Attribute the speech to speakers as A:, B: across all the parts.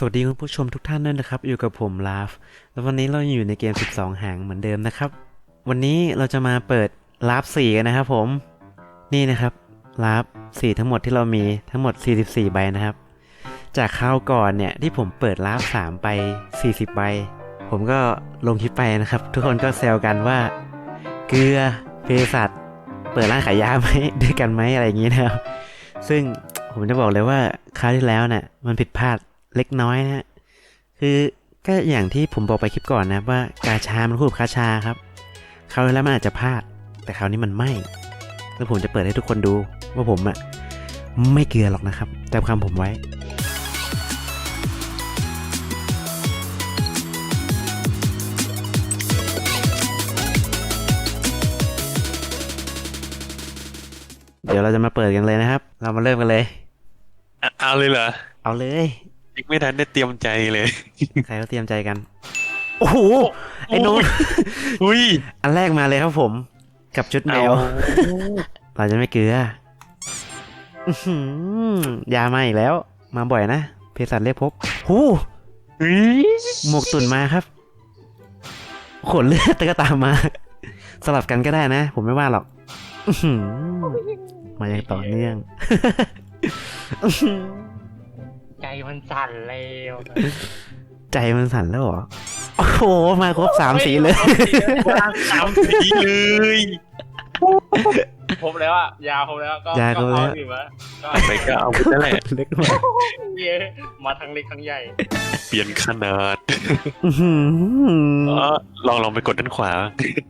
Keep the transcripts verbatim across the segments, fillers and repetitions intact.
A: วัสดีคุณผู้ชมทุกท่านด้วยนะครับอยู่กับผมลาฟแล้ววันนี้เราอยู่ในเกมสิบสองหางเหมือนเดิมนะครับวันนี้เราจะมาเปิดลาฟสี่กันนะครับผมนี่นะครับลาฟสี่ทั้งหมดที่เรามีทั้งหมดสี่สิบสี่ใบนะครับจากคราวก่อนเนี่ยที่ผมเปิดลาฟสามไปสี่สิบใบผมก็ลงคลิปไปนะครับทุกคนก็แซวกันว่าเกลือเภสัชเปิดร้านขายยาไหม ด้วยกันไหมอะไรอย่างนี้นะครับซึ่งผมจะบอกเลยว่าคราวที่แล้วเนี่ยมันผิดพลาดเล็กน้อยนะฮะคือก็อย่างที่ผมบอกไปคลิปก่อนนะว่ากาชามันคู่กับคาชาครับคราวที่แล้วมันอาจจะพลาดแต่คราวนี้มันไม่แล้วผมจะเปิดให้ทุกคนดูว่าผมอะไม่เกลือหรอกนะครับจำคำผมไว้เดี๋ยวเราจะมาเปิดกันเลยนะครับเรามาเริ่มกันเลย
B: อ่ะเอาเลยเหรอ
A: เอาเลย
B: ยังไม่ทันได้เตรียมใจเลย
A: ใครเขาเตรียมใจกันโอ้โหไอ้
B: โอ้
A: โน้ต
B: อุ้ย
A: อันแรกมาเลยครับผมกับชุดแม
B: เอา
A: ว เราจะไม่เกลืออื้อหือยามาอีกแล้ว มาบ่อยนะเภสัชเรียกพบหู
B: อุ้ย
A: หมวกตุ่นมาครับขนเลือดก็ตามมา สลับกันก็ได้นะ ผมไม่ว่าหรอกอื้อหือมาอย่างต่อเนื่อง
C: ใจมันสั่นเลย
A: ใจมันสั่นแล้วเหรอ โอ้โห มาครบสามสีเลย
B: สามสีเลย
C: ครบแล้วอ่ะยาวครบแล้วก็
A: ยาวครบแล้ว
C: ก็เอาอยู่มาก็
B: ไปก็เอาไปนั่นแหละ
A: เล็กมาก
C: เย้มาทั้งเล็กทั้งใหญ่
B: เปลี่ยนขนาด
A: อื้อหือ
B: เออลองลองไปกดด้านขวา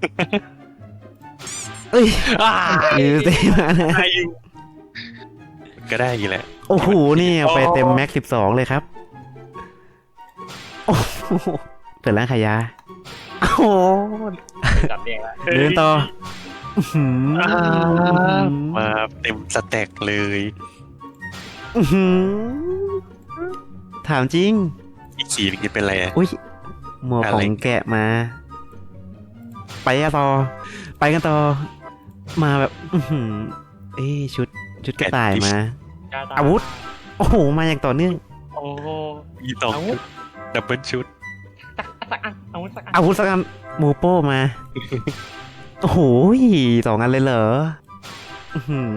A: เอ้ย
B: อ่า
A: ยืดเต็มมานะ
B: ได้อยู่ก็ได้อยู่แหละ
A: โอ้โห นี่เอาไปเต็มแม็กสิบสองเลยครับ โอ้โหเปิดร้านขายยาโอ้โห
C: จับเรียงแล้ว
A: เดินต่ออื้อหือ
B: อ่ามาเต็มสแต็กเลย
A: อื้อหือถามจริง
B: อีกสีนึงจะเป็นอะไรอ่ะ
A: อุ้ยหมวก
B: อะ
A: ขอ
B: ไร
A: งแกะมา ไปกันต่อ ไปกันต่อ มาแบบ อื้อหือเอ้ยชุด ชุดกระต่ายมา
C: จ้ต
A: อาวุธ โอ้โห มาอย่างต่อเนื่อง
C: โอ้โห
B: มีสองชุดดับเบิลชุด
C: สักสักอันอาวุธสักอัน
A: อาวุธสักอันหมูโป้มา โอ้โหสองอันเลยเหรอ อื้อหือ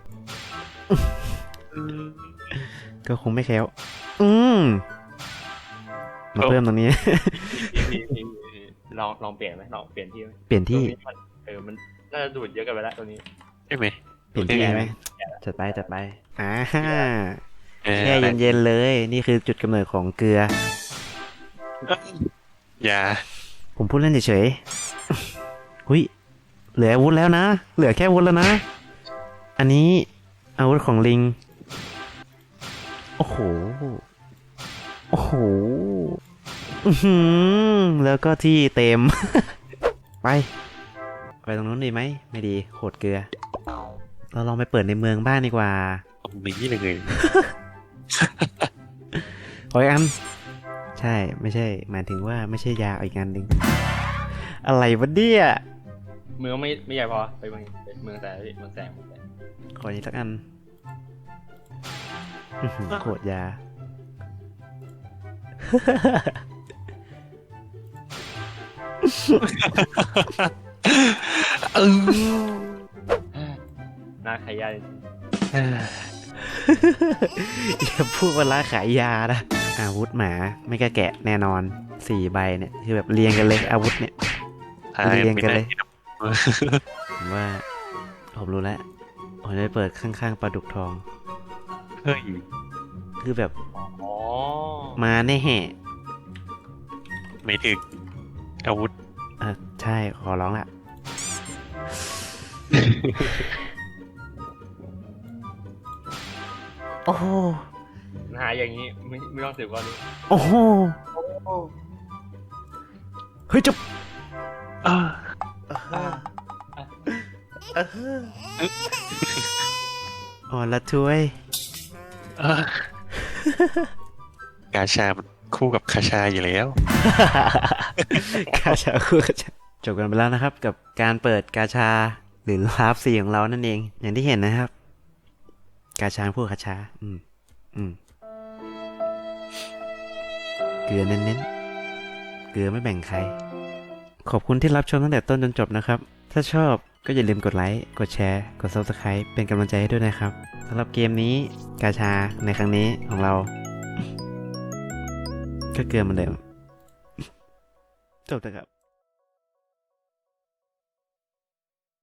A: ก็คงไม่แคล้วอืมมาเพิ่มตรงนี้
C: นี่นี่นี่ลองลองเปลี่ยนไหมลองเปลี่ยนที่ไหม
A: เปลี่ยนที่
C: ตรงนี้มันเออมันน่าจะดูดเยอะกันไปแล้วตัวนี้
B: ใช่ไหม
A: เปลี่ยนที่ไหมจัดไปจัดไปอ่าฮ่า
B: เออ
A: แช่เย็นๆเลย นี่คือจุดกำเนิดของเกลือ
B: อย่า
A: ผมพูดเล่นเฉยๆหุยเหลืออาวุธแล้วนะ เหลือแค่อาวุธแล้วนะ อันนี้อาวุธของลิง โอ้โห โอ้โห อื้อหือแล้วก็ที่เต็ม ไป ไปตรงนู้นดีไหม ไม่ดีโหดเกลือ เราลองไปเปิดในเมืองบ้านดีกว่า
B: ตรงนี้เลย
A: ขออีกอัน ใช่ ไม่ใช่ หมายถึงว่าไม่ใช่ยาอีกอันหนึ่ง อะไรวะเนี่ย
C: เมืองไม่ไม่ใหญ่พอไปเมืองไปเมืองแสงพี่เมืองแสงเมืองแสง
A: ขออีกสักอันอื้อหือโคตรยา
B: เออ
C: น่าขายยา
A: อย่าพูดว่าร้านขายยานะอาวุธหมาไม่กล้าแกะแน่นอนสี่ใบเนี่ยคือแบบเรียงกันเลยอาวุธเนี่ย
B: ทาย
A: เรียงกันเลย
B: ไม่ได้
A: ผมว่าผมรู้แล้วผมจะไปเปิดข้างๆปลาดุกทอง
B: เฮ้ย
A: คือแบบ
C: อ๋อ
A: มาแน่แห่
B: ไม่ถึงอาวุธ
A: เออใช่ขอร้องละ โอ้โห
C: หาอย่างนี้ไม่ไม่ต้องสืบก่อนเลย
A: โอ้โหเฮ้ยจบ
B: อ่า
A: อ่อนละถ้วย
B: อ่า กาชามันคู่กับคาชาอยู่แล้ว
A: กาชาคู่กาชาจบกันไปแล้วนะครับ กับการเปิดกาชาหรือลาฟซีของเรานั่นเอง อย่างที่เห็นนะครับ กาชาคู่กาชา อืม อืมเกลือเน้นๆเกลือไม่แบ่งใคร ขอบคุณที่รับชมตั้งแต่ต้นจนจบนะครับ ถ้าชอบก็อย่าลืมกดไลค์ กดแชร์ กด Subscribe เป็นกำลังใจให้ด้วยนะครับสำหรับเกมนี้กาชาในครั้งนี้ของเรา ก็เกลือเหมือนเดิม จบแล้วครับ